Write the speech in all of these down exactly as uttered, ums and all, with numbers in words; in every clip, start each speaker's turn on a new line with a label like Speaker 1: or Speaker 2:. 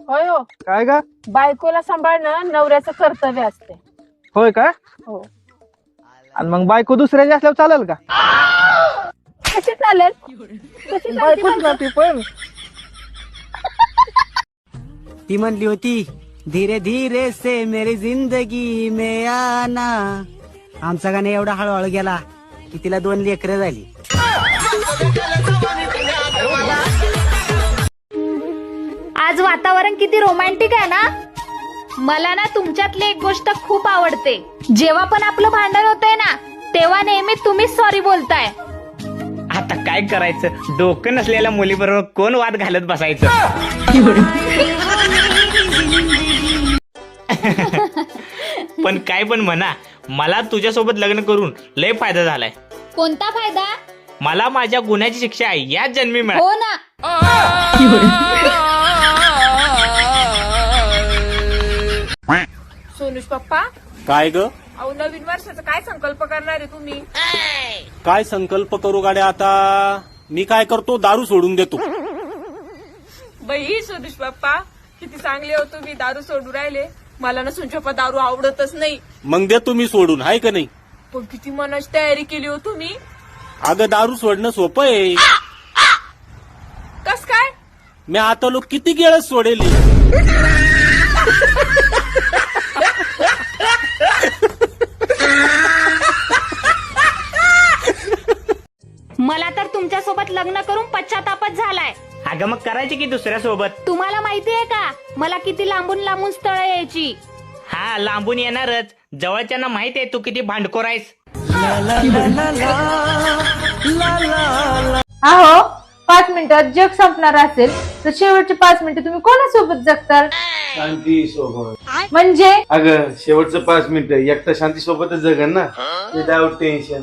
Speaker 1: होय हो.
Speaker 2: काय का?
Speaker 1: बायकोला सांभाळणं नवऱ्याचं कर्तव्य असते.
Speaker 2: होय का?
Speaker 1: हो.
Speaker 2: आणि मग बायको दुसऱ्याची असल्यावर चालेल का?
Speaker 1: कशी चालेल? कशी चालते
Speaker 2: बायकोच
Speaker 1: म्हणतो?
Speaker 2: ना ती पण.
Speaker 3: ती म्हणली होती धीरे धीरे से मेरी जिंदगी में आना. आमचा गाणे एवढा हळूहळू गेला की तिला दोन लेकरं झाली.
Speaker 4: आज वातावरण किती रोमॅन्टिक आहे ना. मला ना तुमच्यातली एक गोष्ट खूप आवडते. जेव्हा पण आपलं भांडण होतंय ना तेव्हा नेहमी तुम्हीच सॉरी बोलताय.
Speaker 5: आता काय करायचं, डोकं नसलेल्या मुलीबरोबर कोण वाद घालत बसायचं. पण काय पण म्हणा, मला तुझ्यासोबत लग्न करून लय फायदा झालाय.
Speaker 4: कोणता फायदा?
Speaker 5: मला माझ्या गुन्ह्याची शिक्षा याच जन्मी मिळाली.
Speaker 4: हो ना.
Speaker 1: सोनुष पप्पा,
Speaker 6: काय ग?
Speaker 1: अहो नवीन वर्षाचा काय संकल्प करणार आहे तुम्ही?
Speaker 6: काय संकल्प करू गाड्या आता? मी काय करतो, दारू सोडून देतो.
Speaker 1: बाई सोनुष पप्पा, किती चांगले हो तुम्ही, दारू सोडू राहिले. मला ना सोनुष पप्पा दारू आवडतच नाही.
Speaker 6: मग देतो मी सोडून, हाय का नाही?
Speaker 1: पण किती मनाची तयारी केली हो तुम्ही.
Speaker 6: अगं दारू सोडणं सोपं आहे.
Speaker 1: कस काय?
Speaker 6: मी आता लोक किती गेळच सोडेल.
Speaker 4: मला तर तुमच्यासोबत लग्न करून पश्चातापच झालाय.
Speaker 5: अगं मग करायची की दुसऱ्या सोबत.
Speaker 4: तुम्हाला माहितीये का मला किती लांबून लांबून स्थळ यायची.
Speaker 5: हा, लांबून येणारच. जवळच्यांना माहित आहे तू किती भांडखोर आहेस.
Speaker 7: अहो पाच मिनिटात जग संपणार असेल तर शेवटचे पाच मिनिटं तुम्ही कोणासोबत जगताल?
Speaker 8: शांती सोबत.
Speaker 7: म्हणजे
Speaker 8: अगं शेवटचं पाच मिनिट एकटा शांती सोबतच जगन ना, विदाउट टेन्शन.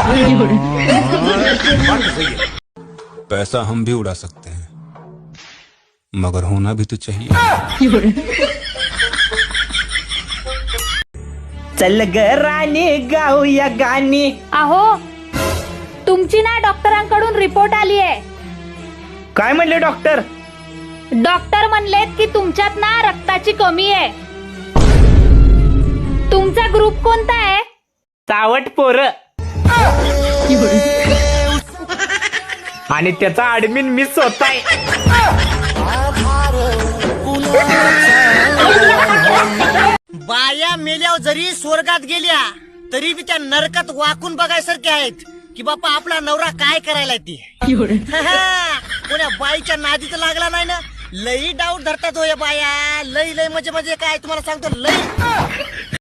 Speaker 9: पैसा हम भी उड़ा सकते हैं मगर होना भी तो चाहिए.
Speaker 5: चल ग राणी गाऊया गाणी.
Speaker 4: अहो तुमची ना डॉक्टरांकडून रिपोर्ट आली आहे.
Speaker 5: काय म्हणले डॉक्टर?
Speaker 4: डॉक्टर म्हणलेत की तुमच्यात ना रक्ताची कमी आहे. तुमचा ग्रुप कोणता आहे?
Speaker 5: चावट पोर. आणि त्याचा ऍडमिन मिस होताय.
Speaker 3: बाया मेल्यावर जरी स्वर्गात गेल्या तरी बी त्या नरकात वाकून बघायसारखे आहेत की बापा आपला नवरा काय करायला ती. कोण्या बाईच्या नादीत लागला नाही ना, लई डाऊट धरतात हो या बाया. लई लई म्हणजे म्हणजे काय तुम्हाला सांगतो, लई